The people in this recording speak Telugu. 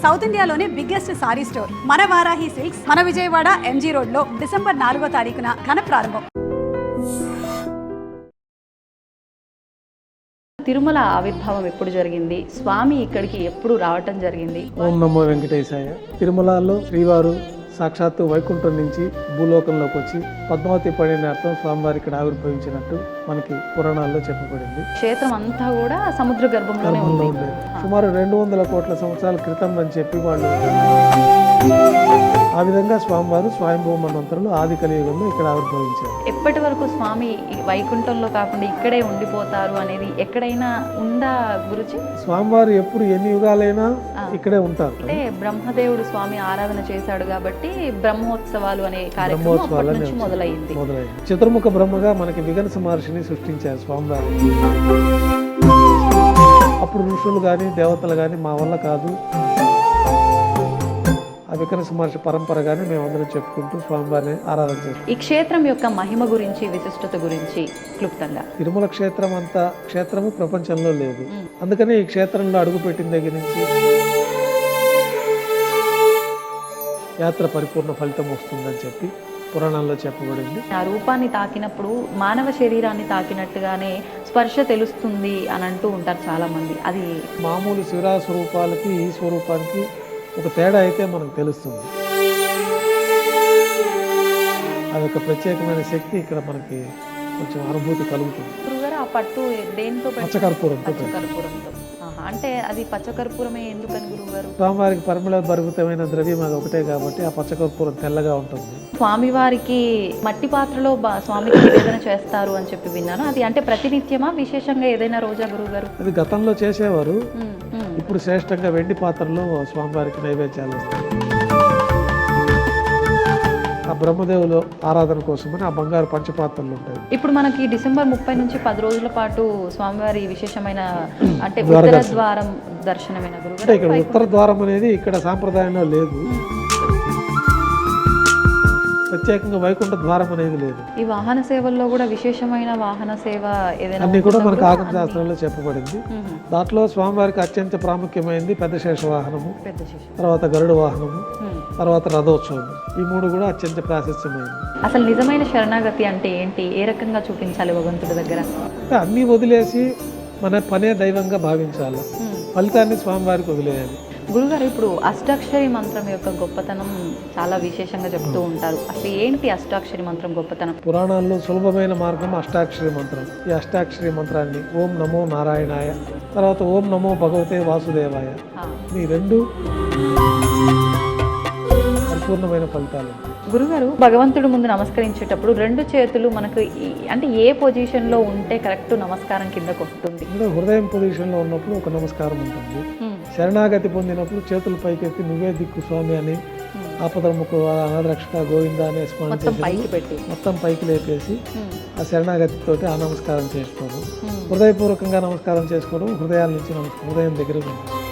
సౌత్ ఇండియాలోనే బిగ్గెస్ట్ సారీ స్టోర్ మన వారాహి సిల్క్స్ మన విజయవాడ ఎంజీ రోడ్ లో డిసెంబర్ 4వ తారీఖున ఘన ప్రారంభం. తిరుమల ఆవిర్భావం ఎప్పుడు జరిగింది? స్వామి ఇక్కడికి ఎప్పుడు రావటం జరిగింది? ఓం నమో వెంకటేశాయ. తిరుమలలో శ్రీవారు సాక్షాత్తు వైకుంఠం నుంచి భూలోకంలోకి వచ్చి పద్మావతి పడినార్థం స్వామివారి ఇక్కడ ఆవిర్భవించినట్టు మనకి పురాణాల్లో చెప్పబడింది. క్షేత్రం అంతా కూడా సముద్ర గర్భంలోనే ఉంది. సుమారు 200 కోట్ల సంవత్సరాల క్రితం అని చెప్పి వాళ్ళు ఆ విధంగా స్వామివారు స్వయంభూ మన్వంతరులు ఆది కలియుగంలో ఇక్కడ ఆవిర్భవించారు. ఎప్పటి వరకు స్వామి వైకుంఠంలో కాకుండా ఇక్కడే ఉండిపోతారు అనేది ఎక్కడైనా ఉందా గురుజీ? స్వామివారు ఎప్పుడు ఎన్ని యుగాలైనా ఇక్కడే ఉంటారు. అంటే బ్రహ్మదేవుడు స్వామి ఆరాధన చేశాడు కాబట్టి బ్రహ్మోత్సవాలు అనే కార్యక్రమం మొదలైంది. చతుర్ముఖ బ్రహ్మగా మనకి విగనస మహర్షిని సృష్టించారు స్వామివారు. అప్పుడు ఋషులు కానీ దేవతలు కానీ మా వల్ల కాదు, ఆ వికనస మహర్షి పరంపరగానే మేమందరం చెప్పుకుంటూ స్వామివారిని ఆరాధన చేస్తాం. ఈ క్షేత్రం యొక్క మహిమ గురించి, విశిష్టత గురించి క్లుప్తంగా. తిరుమల క్షేత్రం అంత క్షేత్రము ప్రపంచంలో లేదు. అందుకని ఈ క్షేత్రంలో అడుగుపెట్టిన దగ్గర నుంచి యాత్ర పరిపూర్ణ ఫలితం వస్తుందని చెప్పి పురాణాల్లో చెప్పబడింది. ఆ రూపాన్ని తాకినప్పుడు మానవ శరీరాన్ని తాకినట్టుగానే స్పర్శ తెలుస్తుంది అని అంటూ ఉంటారు చాలా మంది. అది మామూలు శివరా స్వరూపాలకి ఈ స్వరూపానికి ఒక తేడా అయితే మనకు తెలుస్తుంది. అదొక ప్రత్యేకమైన శక్తి ఇక్కడ మనకి కొంచెం అనుభూతి కలుగుతుంది. ఆ పట్టు దేంతో? పచ్చకర్పూరంతో. అంటే అది పచ్చకర్పూరమే ఎందుకని గురువుగారు? స్వామివారికి పరిమళ భరితమైన ద్రవ్యం అది ఒకటే కాబట్టి ఆ పచ్చకర్పూరం తెల్లగా ఉంటుంది. స్వామివారికి మట్టి పాత్రలో స్వామికి నివేదన చేస్తారు అని చెప్పి విన్నాను. అది అంటే ప్రతినిత్యమా, విశేషంగా ఏదైనా రోజా గురువుగారు? అది గతంలో చేసేవారు. ఇప్పుడు శ్రేష్టంగా వెండి పాత్రలో స్వామివారికి నైవేద్యాలు వస్తాయి. ఆ బ్రహ్మదేవులు ఆరాధన కోసమని ఆ బంగారు పంచపాత్రలు ఉంటాయి. ఇప్పుడు మనకి డిసెంబర్ 30 నుంచి 10 రోజుల పాటు స్వామివారి విశేషమైన అంటే ఉత్తర ద్వారం దర్శనమైన గురువు. అంటే ఇక్కడ ఉత్తర ద్వారం అనేది ఇక్కడ సాంప్రదాయంలో లేదు. ప్రత్యేకంగా వైకుంఠ ద్వారం అనేది లేదు. ఈ వాహన సేవల్లో కూడా విశేషమైన వాహన సేవ ఏదైనా అన్ని కూడా మనకు ఆగమ శాస్త్రంలో చెప్పబడింది. దాంట్లో స్వామివారికి అత్యంత ప్రాముఖ్యమైనది పెద్ద శేష వాహనము, తర్వాత గరుడ వాహనము, తర్వాత రథోత్సవం. ఈ 3 కూడా అత్యంత ప్రాశస్త్యమైనది. అసలు నిజమైన శరణాగతి అంటే ఏంటి? ఏ రకంగా చూపించాలి భగవంతుడి దగ్గర? అంటే అన్నీ వదిలేసి మన పనే దైవంగా భావించాలి, ఫలితాన్ని స్వామివారికి వదిలేయాలి. గురుగారు, ఇప్పుడు అష్టాక్షరి మంత్రం యొక్క గొప్పతనం చాలా విశేషంగా చెప్తూ ఉంటారు. అసలు ఏంటి అష్టాక్షరి మంత్రం గొప్పతనం? పురాణాల్లో సులభమైన మార్గం అష్టాక్షరి మంత్రం. ఈ అష్టాక్షరి మంత్రాన్ని ఓం నమో నారాయణాయ, తర్వాత ఓం నమో భగవతే వాసుదేవాయ, ఈ 2 పరిపూర్ణమైన ఫలితాలు. గురుగారు, భగవంతుడి ముందు నమస్కరించేటప్పుడు 2 చేతులు మనకు అంటే ఏ పొజిషన్లో ఉంటే కరెక్ట్ నమస్కారం కిందకు వస్తుంది? హృదయం పొజిషన్లో ఉన్నప్పుడు ఒక నమస్కారం ఉంటుంది. శరణాగతి పొందినప్పుడు చేతులు పైకెత్తి నువ్వే దిక్కు స్వామి అని, ఆపదముకు అనాథరక్షక గోవింద అనే స్మరణ చేసి మొత్తం పైకి లేపేసి ఆ శరణాగతితోటి ఆ నమస్కారం చేసుకోవడం, హృదయపూర్వకంగా నమస్కారం చేసుకోవడం, హృదయాల నుంచి హృదయం దగ్గర ఉంటుంది.